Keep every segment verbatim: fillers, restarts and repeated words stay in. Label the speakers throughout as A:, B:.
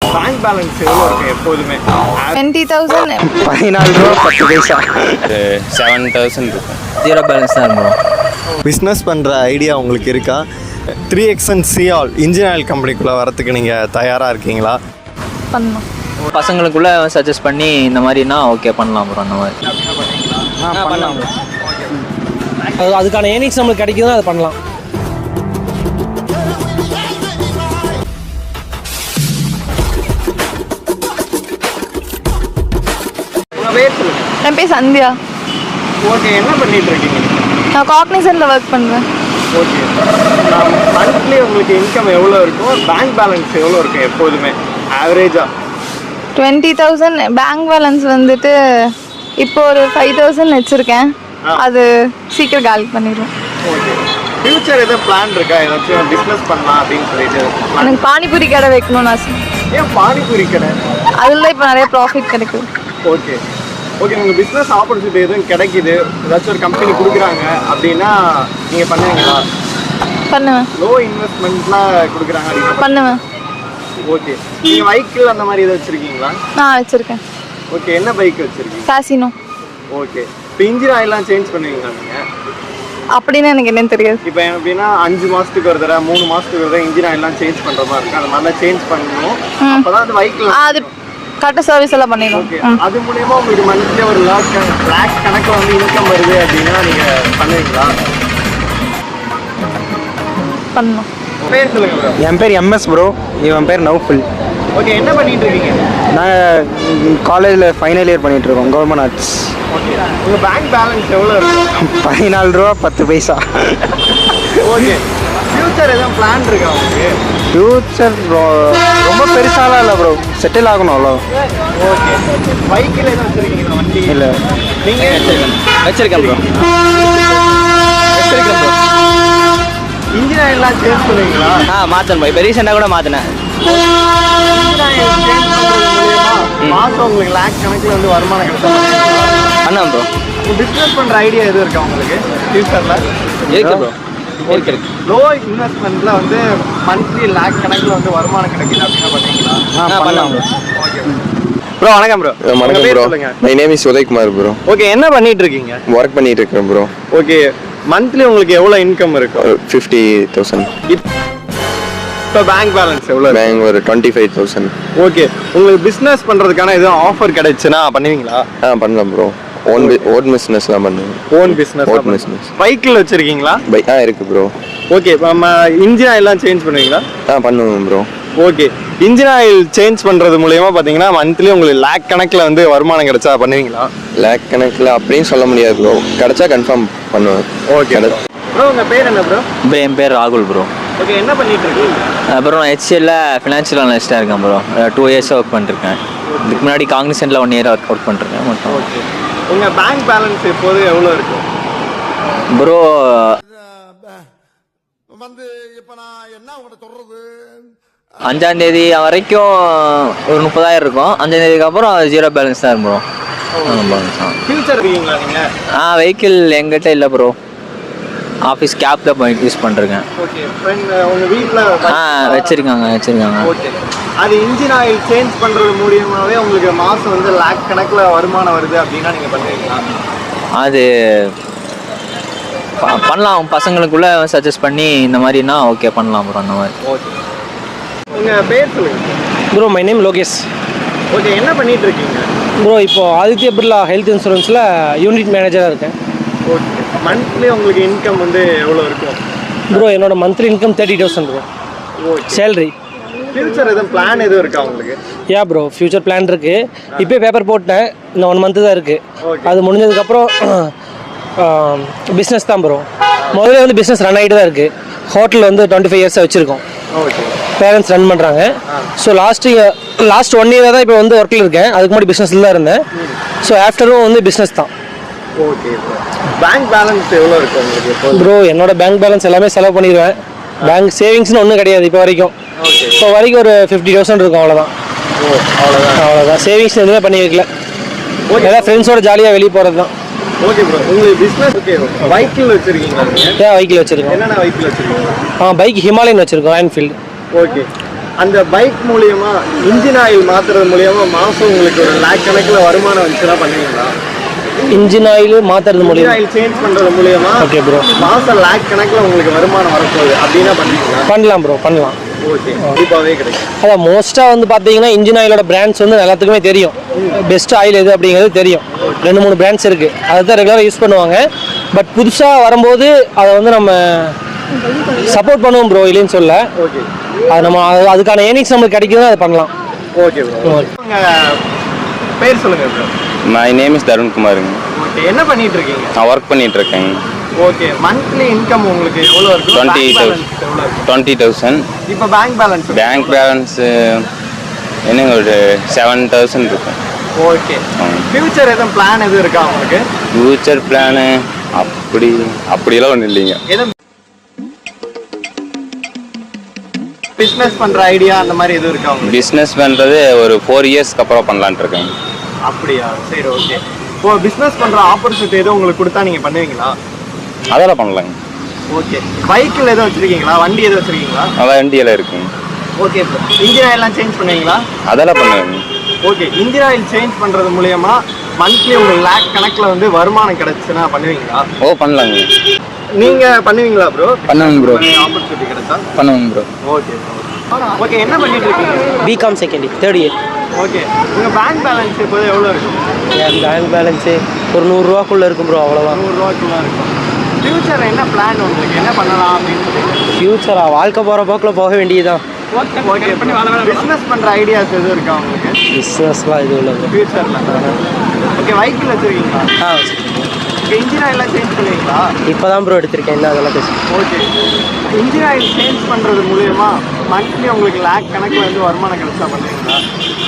A: Bank balance எவ்வளோ இருக்கு எப்போதுமே?
B: டுவெண்ட்டி தௌசண்ட்
C: பதினாலு ரூபா பத்து பைசா.
D: செவன் தௌசண்ட் இருக்கும்.
C: ஜீரோ பேலன்ஸ் தான் இருக்கும்.
A: பிஸ்னஸ் பண்ணுற ஐடியா உங்களுக்கு இருக்கா? த்ரீ எக்ஸன் சிஆல் இன்ஜின் ஆயில் கம்பெனிக்குள்ளே வரத்துக்கு நீங்கள் தயாராக இருக்கீங்களா?
B: பண்ணலாம்.
C: பசங்களுக்குள்ள சஜஸ்ட் பண்ணி இந்த மாதிரினா ஓகே பண்ணலாம் ப்ரோ. அந்த மாதிரி பண்ணலாம்.
E: அது அதுக்கான ஏர்னிங்ஸ் நம்மளுக்கு கிடைக்குதுன்னா அதை பண்ணலாம்.
B: என் பேர் சந்தியா.
A: ஓகே, என்ன பண்ணிட்டு இருக்கீங்க?
B: நான் காக்னிசன்ட்ல ஒர்க் பண்ணுறேன்.
A: ஓகே, மந்த்லி உங்களுக்கு இன்கம் எவ்வளோ இருக்கும்? பேங்க் பேலன்ஸ் எவ்வளோ இருக்கும் எப்போதுமே ஆவரேஜாக?
B: டுவெண்ட்டி தௌசண்ட் பேங்க் பேலன்ஸ் வந்துட்டு இப்போ ஒரு ஃபைவ் தௌசண்ட் வச்சுருக்கேன். அது சீக்கிரம் காலி பண்ணிடுவேன்.
A: ஓகே, ஃபியூச்சர் எதாவது பிளான் இருக்கா? ஏதாச்சும் பிஸ்னஸ் பண்ணலாம் அப்படின்னு சொல்லிட்டு?
B: எனக்கு பானிபூரி கடை வைக்கணும்னு ஆசை.
A: ஏன் பானிபூரி கடை?
B: அதில் இப்போ நிறைய ப்ராஃபிட் கிடைக்குது.
A: ஓகே ஓகே, உங்கள் பிஸ்னஸ் ஆப்பர்ச்சுனிட்டி எதுவும் கிடைக்குது, ஏதாச்சும் ஒரு கம்பெனி கொடுக்குறாங்க அப்படின்னா நீங்கள் பண்ணுவீங்களா?
B: பண்ணுவேன்.
A: லோ இன்வெஸ்ட்மெண்ட்லாம் கொடுக்குறாங்க அப்படின்னா
B: பண்ணுவேன்.
A: ஓகே, நீங்கள் பைக்கில் அந்த மாதிரி எதாவது வச்சுருக்கீங்களா?
B: நான் வச்சுருக்கேன்.
A: ஓகே, என்ன பைக் வச்சுருக்கீங்க?
B: காசினோ.
A: ஓகே, இப்போ இன்ஜின் ஆயிலாம் சேஞ்ச் பண்ணுவீங்களா நீங்கள்?
B: அப்படின்னு எனக்கு என்னன்னு தெரியாது.
A: இப்போ எப்படின்னா அஞ்சு மாதத்துக்கு ஒரு தடவை மூணு மாதத்துக்கு ஒரு தடவை இன்ஜின் ஆயிலாம் சேஞ்ச் பண்ணுற மாதிரி இருக்கும். அந்த மாதிரிலாம் சேஞ்ச் பண்ணணும். அப்போ தான் அந்த பைக்கில்
B: அது கரெக்டாக சர்வீஸ் எல்லாம் பண்ணிடுவோம்.
A: ஓகே, அது மூலயமா உங்களுக்கு மந்த்லி ஒரு லாக் லேக் கணக்கில் வந்து இன்கம் வருது அப்படின்னா நீங்கள் பண்ணுவீங்களா?
B: பண்ணணும்.
A: பேர் சொல்லுங்க ப்ரோ.
C: என் பேர் எம்எஸ் ப்ரோ. இவன் பேர் நௌஃபுல்.
A: ஓகே, என்ன பண்ணிட்டு இருக்கீங்க?
C: நாங்கள் காலேஜில் ஃபைனல் இயர் பண்ணிகிட்டு இருக்கோம், கவர்மெண்ட் ஆர்ட்ஸ்.
A: ஓகே, உங்கள் பேங்க் பேலன்ஸ் எவ்வளோ இருக்கும்?
C: பதினாலு ரூபா பத்து பைசா.
A: ஓகே, ஃபியூச்சர் எதுவும் பிளான் இருக்கா உங்களுக்கு?
C: ஃபியூச்சர் ரொம்ப பெருசாலாம் இல்லை ப்ரோ, செட்டில் ஆகணும் அவ்வளோ.
A: ஓகே, பைக்கில் எதுவும் வச்சுருக்கீங்களா வண்டி?
C: இல்லை.
A: நீங்கள்
C: வச்சிருக்கேன் ப்ரோ. வச்சிருக்கேன் ப்ரோ.
A: இன்ஜின் ஆயிலாம் சேஞ்ச் பண்ணுவீங்களா?
C: ஆ மாற்றணும் ப்ரோ. இப்போ ரீசெண்டாக கூட மாற்றினேன்.
A: இன்ஜின் ஆயில் சேஞ்ச் பண்ணுறது மூலியமா மாதம் உங்களுக்கு லேக் கணக்கில் வந்து வருமானம் கிடைக்கும்.
C: பண்ணலாம் ப்ரோ.
A: பிஸ்னஸ் பண்ணுற ஐடியா எதுவும் இருக்கா உங்களுக்கு ஃபியூச்சரில்?
C: இருக்கு ப்ரோ. இருக்கு இருக்கு.
A: லோ இன்வெஸ்ட்மெண்ட்டில் வந்து மந்த்லி லேக் கணக்கில் வந்து வருமானம் கிடைக்குது அப்படின்னா பண்ணுவீங்களா?
C: ஆ பண்ணலாம் ப்ரோ.
A: Okay bro. வணக்கம் ப்ரோ.
D: வணக்கம் bro. My name is Udayakumar bro.
A: Okay, என்ன பண்ணிட்டு இருக்கீங்க?
D: ஒர்க் பண்ணிட்டு இருக்கேன் ப்ரோ.
A: ஓகே, மந்த்லி உங்களுக்கு எவ்வளோ இன்கம் இருக்கும்?
D: Fifty thousand.
A: இப்போ பேங்க் பேலன்ஸ் எவ்வளோ?
D: பேங்க் ஒரு டுவெண்ட்டி ஃபைவ் தௌசண்ட்.
A: ஓகே, உங்களுக்கு பிஸ்னஸ் பண்ணுறதுக்கான எதுவும் ஆஃபர் கிடைச்சுன்னா பண்ணுவீங்களா?
D: ஆ பண்ணலாம் ப்ரோ. ஓன் ஓன் பிஸ்னஸ்லாம் பண்ணுவேன்.
A: Own business.
D: Own business.
A: பைக்கில் வச்சுருக்கீங்களா?
D: பைக் ஆ இருக்குது ப்ரோ.
A: ஓகே, இப்போ நம்ம இன்ஜின் ஆயிலாம் சேஞ்ச் பண்ணுவீங்களா?
D: ஆ பண்ணுவேன் bro.
A: Okay, engine oil change பண்ணுறது மூலயமா பார்த்தீங்கன்னா மந்த்லி உங்களுக்கு லேக் கணக்கில் வந்து வருமானம் கிடைச்சா பண்ணுவீங்களா?
D: லேக் கணக்கில் அப்படின்னு சொல்ல முடியாது ப்ரோ, கிடைச்சா கன்ஃபார்ம் பண்ணுவேன்.
A: Okay bro. உங்கள் பேர் என்ன ப்ரோ?
C: ப்ரோ என் பேர் ராகுல் ப்ரோ.
A: ஓகே, என்ன பண்ணிட்டு இருக்கீங்க?
C: அப்புறம் நான் ஹெச்சிஎல்ல ஃபினான்ஷியல் அனலிஸ்ட்டாக இருக்கேன் ப்ரோ. டூ இயர்ஸாக ஒர்க் பண்ணிருக்கேன். இதுக்கு முன்னாடி காக்னிசன்ட்ல ஒன் இயர் ஒர்க் அவுட் பண்ணிருக்கேன் மட்டும்.
A: ஓகே, உங்கள் பேங்க் பேலன்ஸ் எப்போது எவ்வளோ இருக்கும்
C: ப்ரோ?
F: வந்து இப்போ நான் என்ன உங்கள்கிட்ட சொல்கிறது,
C: அஞ்சாம் தேதி வரைக்கும் ஒரு முப்பதாயிரம் இருக்கும். அஞ்சாம் தேதிக்கு அப்புறம் ஜீரோ பேலன்ஸ் தான் ப்ரோ.
A: ஃபியூச்சர் இருக்கீங்களா நீங்கள்?
C: ஆ வெஹிக்கிள் எங்கிட்ட இல்லை ப்ரோ. ஆஃபீஸ் கேப் தான் போய் யூஸ் பண்ணுறேன்.
A: ஓகே, ஃப்ரெண்ட் உங்கள் வீட்டில்?
C: ஆ வச்சுருக்காங்க வச்சுருக்காங்க.
A: ஓகே, அது இன்ஜின் ஆயில் சேஞ்ச் பண்ணுறது மூலியமாகவே உங்களுக்கு மாதம் வந்து லேக் கணக்கில் வருமானம் வருது அப்படின்னா நீங்கள் பண்ணுவீங்களா?
C: அது பண்ணலாம். பசங்களுக்குள்ள சஜஸ்ட் பண்ணி இந்த மாதிரினா ஓகே பண்ணலாம் ப்ரோ. அந்த மாதிரி.
A: ஓகே, உங்கள் பேர் சொல்லுங்கள்.
E: Bro my name Lokesh.
A: Okay, என்ன பண்ணிட்டு இருக்கீங்க?
E: ப்ரோ இப்போது ஆதித்ய பிர்லா ஹெல்த் இன்சூரன்ஸில் யூனிட் மேனேஜராக இருக்கேன்.
A: ஓகே, மந்த்லி உங்களுக்கு இன்கம் வந்து எவ்வளோ இருக்கும்?
E: ப்ரோ என்னோட monthly income thirty thousand bro.
A: Okay,
E: salary.
A: Future எதுவும் பிளான் எதுவும் இருக்கா உங்களுக்கு?
E: யா ப்ரோ, ஃபியூச்சர் பிளான் இருக்குது. இப்போயே பேப்பர் போட்டேன். இந்த ஒன் மந்த்து தான் இருக்குது.
A: ஓகே,
E: அது முடிஞ்சதுக்கப்புறம் பிஸ்னஸ் தான் ப்ரோ. முதல்ல வந்து பிஸ்னஸ் ரன் ஆகிட்டு தான் இருக்குது. ஹோட்டல் வந்து டுவெண்ட்டி ஃபைவ் இயர்ஸாக வச்சுருக்கோம்.
A: ஓகே,
E: பேரண்ட்ஸ் ரன் பண்ணுறாங்க. ஸோ லாஸ்ட்டு லாஸ்ட் ஒன் இயராக தான் இப்போ வந்து ஒர்க்கில் இருக்கேன். அதுக்கு முன்னாடி பிஸ்னஸில் தான் இருந்தேன். ஸோ ஆஃப்டரும் வந்து பிஸ்னஸ் தான்.
A: ஓகே, பேங்க் பேலன்ஸ் எவ்வளோ இருக்கும் உங்களுக்கு
E: ப்ரோ? என்னோட பேங்க் பேலன்ஸ் எல்லாமே செலவு பண்ணிடுவேன். பேங்க் சேவிங்ஸ்னு ஒன்றும் கிடையாது இப்போ வரைக்கும். இப்போ வரைக்கும் ஒரு ஃபிஃப்டி தௌசண்ட் இருக்கும், அவ்வளோதான்.
A: ஓ அவ்வளோதான்.
E: அவ்வளோதான். சேவிங்ஸ் எதுவுமே பண்ணி வைக்கல. ஏதாவது ஃப்ரெண்ட்ஸோட ஜாலியாக வெளியே போகிறது தான்.
A: ஓகே ப்ரோ, உங்களுக்கு பிஸ்னஸ் ஓகே வெஹிக்கிள் வச்சுருக்கீங்களா?
E: ஏன் வெஹிக்கிள் வச்சுருக்கோம்.
A: என்னென்ன வெஹிக்கிள் வச்சுருக்கீங்க?
E: ஆ பைக் ஹிமாலயன் வச்சுருக்கோம், என்ஃபீல்டு.
A: ஓகே, அந்த பைக் மூலியமா இன்ஜின் ஆயில் மாத்துறது மூலியமா மாசம் உங்களுக்கு ஒரு லேக் கணக்கில் வருமானம் வந்துச்சுன்னா பண்ணுவீங்களா?
E: இன்ஜின் ஆயில் மாற்றுறது
A: இன்ஜின்
E: மூலியம்
A: ஆயில் சேஞ்ச் பண்றது மூலியமா
E: ஓகே ப்ரோ
A: மாசம் லேக் கணக்கில் உங்களுக்கு வருமானம் வரப்போகுது அப்படின்னா பண்ணுவீங்களா?
E: பண்ணலாம் ப்ரோ பண்ணலாம்.
A: ஓகே, கண்டிப்பாகவே கிடைக்கும்.
E: அதான் மோஸ்ட்டாக வந்து பார்த்தீங்கன்னா இன்ஜின் ஆயிலோட பிராண்ட்ஸ் வந்து எல்லாத்துக்குமே தெரியும். பெஸ்ட் ஆயில் எது அப்படிங்கிறது தெரியும். ரெண்டு மூணு பிராண்ட்ஸ் இருக்குது, அதை தான் ரெகுலராக யூஸ் பண்ணுவாங்க. பட் புதுசாக வரும்போது அதை வந்து நம்ம சப்போர்ட் பண்ணுவோம் ப்ரோ, இல்லைன்னு சொல்ல.
A: ஓகே,
E: அது நம்ம அது- அதுக்கான ஏர்னிங்ஸ் நம்மளுக்கு கிடைக்குதுன்னா அதை பண்ணலாம்.
A: Okay bro. உங்க பேர் சொல்லுங்க bro.
G: My name is Tarun குமாருங்க.
A: ஓகே, என்ன பண்ணிட்டு இருக்கீங்க?
G: நான் ஒர்க் பண்ணிட்டு இருக்கேங்க.
A: ஓகே, மந்த்லி இன்கம் உங்களுக்கு எவ்வளோ இருக்கு?
G: டுவெண்ட்டி
A: பேங்க் பேலன்ஸ் எவ்வளோ இருக்கு?
G: Twenty thousand.
A: இப்போ பேங்க் பேலன்ஸ்
G: பேங்க் பேலன்ஸு என்னங்க ஒரு செவன் தௌசண்ட் இருக்கும்.
A: ஓகே, ஃபியூச்சர் எதுவும் பிளான் எதுவும் இருக்கா உங்களுக்கு?
G: ஃபியூச்சர் பிளானு அப்படி அப்படியெல்லாம் ஒன்றும் இல்லைங்க.
A: எதுவும் பிஸ்னஸ் பண்ற ஐடியா அந்த மாதிரி எதுவும் இருக்கா உங்களுக்கு?
G: பிஸ்னஸ் பண்ணுறது ஒரு ஃபோர் இயர்ஸ்க்கு அப்புறம் பண்ணலான்ட்டு இருக்கேங்க.
A: அப்படியா, சரி, ஓகே. இப்போ பிஸ்னஸ் பண்ற ஆப்பர்ச்சுனிட்டி எதுவும் உங்களுக்கு கொடுத்தா நீங்க பண்ணுவீங்களா?
G: அதெல்லாம் பண்ணலாங்க.
A: ஓகே, பைக்கில் எதுவும் வச்சிருக்கீங்களா? வண்டி எதுவும் வச்சிருக்கீங்களா?
G: அதான் வண்டியெல்லாம் இருக்குங்க.
A: ஓகே, இன்ஜின் ஆயில்லாம் சேஞ்ச் பண்ணுவீங்களா?
G: அதெல்லாம் பண்ணுவேங்க.
A: ஓகே, இன்ஜின் ஆயில் சேஞ்ச் பண்றது மூலியமா மந்த்லி உங்களுக்கு லேக் கணக்கில் வந்து வருமானம் கிடைச்சுன்னா பண்ணுவீங்களா?
G: ஓ பண்ணலாங்க.
A: நீங்க பண்ணுவீங்களா ப்ரோ?
G: பண்ணுவேங்க ப்ரோ.
A: ஆப்பர்ச்சுனிட்டி கிடைச்சா
G: பண்ணுவேங்க ப்ரோ.
A: Okay okay. என்ன பண்ணிட்டு இருக்கீங்க?
E: BCom second year third year.
A: Okay, உங்க பேங்க் பேலன்ஸ் இப்போ எவ்வளோ இருக்கும்?
E: என் பேங்க் பேலன்ஸு ஒரு நூறுரூவாக்குள்ளே இருக்கும் ப்ரோ, அவ்வளோதான்.
A: நூறுரூவாக்குள்ள இருக்கும். ஃபியூச்சர் என்ன பிளான் உங்களுக்கு? என்ன பண்ணலாம் அப்படின்னு சொல்லி?
E: ஃப்யூச்சராக வாழ்க்கை போகிற போக்கில் போக வேண்டியதுதான்.
A: ஓகே, பிஸ்னஸ் பண்ற ஐடியாஸ் எதுவும் இருக்கா உங்களுக்கு
E: பிஸ்னஸ்லாம் இது உள்ளது
A: ஃபியூச்சர்ல? ஓகே, வெஹிக்கிள் வச்சிருக்கீங்களா?
E: ஆ
A: ஓகே, இன்ஜின் ஆயிலாம் சேஞ்ச் பண்ணுவீங்களா?
E: இப்போ தான் ப்ரோ எடுத்திருக்கேன், என்ன அதெல்லாம் பேசு.
A: ஓகே, இன்ஜின் ஆயில் சேஞ்ச் பண்றது மூலியமா மந்த்லி உங்களுக்கு லேக் கணக்கில் வந்து வருமானம் கிடைச்சா பண்ணுவீங்களா?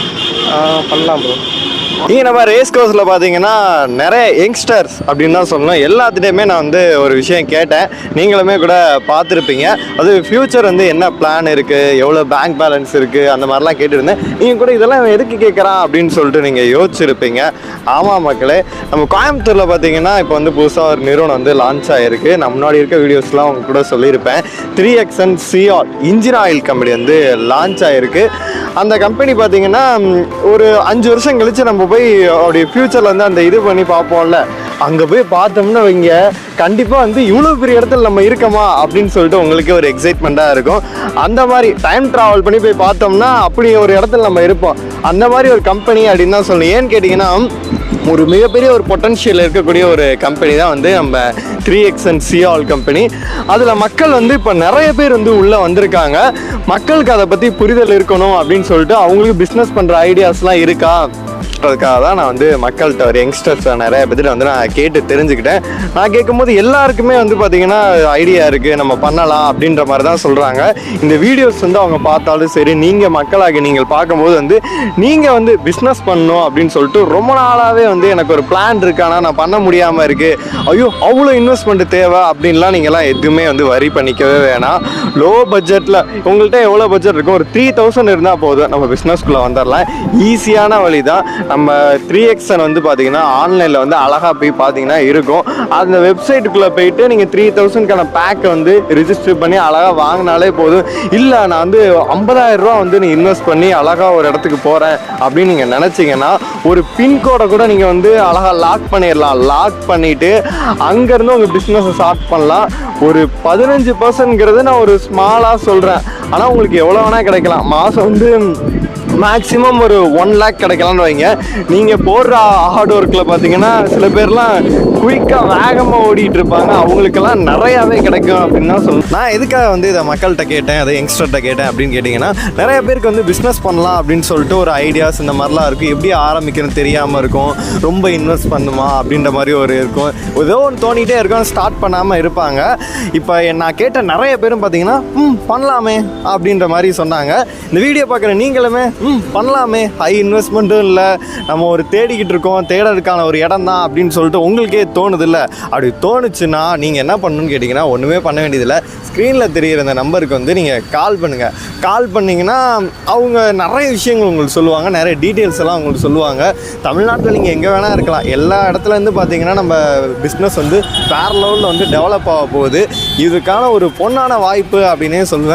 E: பண்ணலாம் ப்ரோ.
A: இங்கே நம்ம ரேஸ் கோர்ஸில் பார்த்தீங்கன்னா நிறைய யங்ஸ்டர்ஸ் அப்படின்னு தான் சொல்லணும். எல்லாத்துட்டையுமே நான் வந்து ஒரு விஷயம் கேட்டேன், நீங்களுமே கூட பார்த்துருப்பீங்க. அது ஃப்யூச்சர் வந்து என்ன பிளான் இருக்குது, எவ்வளோ பேங்க் பேலன்ஸ் இருக்குது, அந்த மாதிரிலாம் கேட்டுருந்தேன். நீங்கள் கூட இதெல்லாம் இவன் எதுக்கு கேட்குறான் அப்படின்னு சொல்லிட்டு நீங்கள் யோசிச்சிருப்பீங்க. ஆமாம் மக்களே, நம்ம கோயம்புத்தூரில் பார்த்தீங்கன்னா இப்போ வந்து புதுசாக ஒரு நிறுவனம் வந்து லான்ச் ஆகிருக்கு. நான் முன்னாடி இருக்க வீடியோஸ்லாம் அவங்க கூட சொல்லியிருப்பேன். த்ரீ எக்ஸன் சிஆல் இன்ஜின் ஆயில் கம்பெனி வந்து லான்ச் ஆகிருக்கு. அந்த கம்பெனி பார்த்தீங்கன்னா ஒரு அஞ்சு வருஷம் கழித்து நம்ம போய் அப்படி ஃப்யூச்சரில் வந்து அந்த இது பண்ணி பார்ப்போம்ல, அங்கே போய் பார்த்தோம்னா வைங்க, கண்டிப்பாக வந்து இவ்வளோ பெரிய இடத்துல நம்ம இருக்கோமா அப்படின்னு சொல்லிட்டு உங்களுக்கு ஒரு எக்ஸைட்மெண்ட்டாக இருக்கும். அந்த மாதிரி டைம் ட்ராவல் பண்ணி போய் பார்த்தோம்னா அப்படி ஒரு இடத்துல நம்ம இருப்போம். அந்த மாதிரி ஒரு கம்பெனி அப்படின்னு தான் சொல்லணும். ஏன்னு கேட்டிங்கன்னா ஒரு மிகப்பெரிய ஒரு பொட்டன்ஷியல் இருக்கக்கூடிய ஒரு கம்பெனி தான் வந்து நம்ம த்ரீ எக்ஸன் சிஆல் கம்பெனி. அதில் மக்கள் வந்து இப்போ நிறைய பேர் வந்து உள்ளே வந்திருக்காங்க. மக்களுக்கு அதை பற்றி புரிதல் இருக்கணும் அப்படின்னு சொல்லிட்டு அவங்களுக்கு பிஸ்னஸ் பண்ணுற ஐடியாஸ்லாம் இருக்கா அதுக்காக தான் நான் வந்து மக்கள்கிட்ட ஒரு யங்ஸ்டர்ஸ் நிறைய பேர்கிட்ட வந்து நான் கேட்டு தெரிஞ்சுக்கிட்டேன். நான் கேட்கும்போது எல்லாருக்குமே வந்து பார்த்திங்கன்னா ஐடியா இருக்குது, நம்ம பண்ணலாம் அப்படின்ற மாதிரி தான் சொல்கிறாங்க. இந்த வீடியோஸ் வந்து அவங்க பார்த்தாலும் சரி, நீங்கள் மக்களாக நீங்கள் பார்க்கும்போது வந்து நீங்கள் வந்து பிஸ்னஸ் பண்ணணும் அப்படின்னு சொல்லிட்டு ரொம்ப நாளாகவே வந்து எனக்கு ஒரு பிளான் இருக்கு, ஆனால் நான் பண்ண முடியாமல் இருக்குது, ஐயோ அவ்வளோ இன்வெஸ்ட்மெண்ட் தேவை அப்படின்லாம் நீங்கள்லாம் எதுவுமே வந்து வரி பண்ணிக்கவே வேணாம். லோ பட்ஜெட்டில் உங்கள்கிட்ட எவ்வளோ பட்ஜெட் இருக்கும், ஒரு த்ரீ தௌசண்ட் இருந்தால் போதும், நம்ம பிஸ்னஸ்குள்ளே வந்துடலாம். ஈஸியான வழி தான். நம்ம த்ரீ எக்ஸன் வந்து பார்த்தீங்கன்னா ஆன்லைனில் வந்து அழகாக போய் பார்த்தீங்கன்னா இருக்கும். அந்த வெப்சைட்டுக்குள்ளே போயிட்டு நீங்கள் த்ரீ தௌசண்ட்கான பேக்கை வந்து ரிஜிஸ்டர் பண்ணி அழகாக வாங்கினாலே போதும். இல்லை நான் வந்து ஐம்பதாயிரம் ரூபா வந்து நீ இன்வெஸ்ட் பண்ணி அழகாக ஒரு இடத்துக்கு போகிறேன் அப்படின்னு நீங்கள் நினச்சிங்கன்னா ஒரு பின்கோடை கூட நீங்கள் வந்து அழகாக லாக் பண்ணிடலாம். லாக் பண்ணிவிட்டு அங்கேருந்து உங்கள் பிஸ்னஸை ஸ்டார்ட் பண்ணலாம். ஒரு பதினஞ்சு பர்சன்ட்ங்கிறது நான் ஒரு ஸ்மாலாக சொல்கிறேன், ஆனால் உங்களுக்கு எவ்வளோ வேணால் கிடைக்கலாம். மாதம் வந்து மேக்ஸிமம் ஒரு ஒன் லேக் கிடைக்கலான்னு வைங்க. நீங்கள் போடுற ஹார்ட் ஒர்க்கில் பார்த்தீங்கன்னா சில பேர்லாம் குயிக்காக வேகமாக ஓடிட்டு இருப்பாங்க, அவங்களுக்கெல்லாம் நிறையாவே கிடைக்கும் அப்படின்னு தான் சொல்லணும். நான் எதுக்காக வந்து இதை மக்கள்கிட்ட கேட்டேன், அதை யங்ஸ்டர்கிட்ட கேட்டேன் அப்படின்னு கேட்டிங்கன்னா, நிறைய பேருக்கு வந்து பிஸ்னஸ் பண்ணலாம் அப்படின்னு சொல்லிட்டு ஒரு ஐடியாஸ் இந்த மாதிரிலாம் இருக்கும். எப்படி ஆரம்பிக்கணும்னு தெரியாமல் இருக்கும், ரொம்ப இன்வெஸ்ட் பண்ணுமா அப்படின்ற மாதிரி ஒரு இருக்கும், ஏதோ ஒன்று தோணிகிட்டே இருக்கும், ஸ்டார்ட் பண்ணாமல் இருப்பாங்க. இப்போ நான் கேட்ட நிறைய பேரும் பார்த்தீங்கன்னா ம் பண்ணலாமே அப்படின்ற மாதிரி சொன்னாங்க. இந்த வீடியோ பார்க்குற நீங்களுமே ம் பண்ணலாமே, ஹை இன்வெஸ்ட்மெண்ட்டும் இல்லை, நம்ம ஒரு தேடிக்கிட்டு இருக்கோம், தேடறதுக்கான ஒரு இடம் தான் அப்படின்னு சொல்லிட்டு உங்களுக்கே தோணுது இல்லை? அப்படி தோணுச்சுன்னா நீங்கள் என்ன பண்ணணும்னு கேட்டிங்கன்னா ஒன்றுமே பண்ண வேண்டியதில்லை. ஸ்க்ரீனில் தெரிகிற இந்த நம்பருக்கு வந்து நீங்கள் கால் பண்ணுங்கள். கால் பண்ணிங்கன்னா அவங்க நிறைய விஷயங்கள் உங்களுக்கு சொல்லுவாங்க, நிறைய டீட்டெயில்ஸ் எல்லாம் உங்களுக்கு சொல்லுவாங்க. தமிழ்நாட்டில் நீங்கள் எங்கே வேணால் இருக்கலாம், எல்லா இடத்துலேருந்து பார்த்தீங்கன்னா நம்ம பிஸ்னஸ் வந்து வேறு லெவலில் வந்து டெவலப் ஆக போகுது. இதுக்கான ஒரு பொன்னான வாய்ப்பு அப்படின்னே சொல்லுவேன்.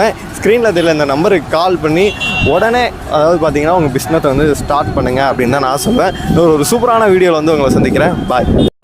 A: ஸ்க்ரீனில் தெரியல இந்த நம்பருக்கு கால் பண்ணி உடனே அதாவது பார்த்தீங்கன்னா உங்கள் பிஸ்னஸை வந்து ஸ்டார்ட் பண்ணுங்கள் அப்படின்னு தான் நான் சொல்லுவேன். இன்னொரு ஒரு சூப்பரான வீடியோவில் வந்து உங்களை சந்திக்கிறேன். பாய்.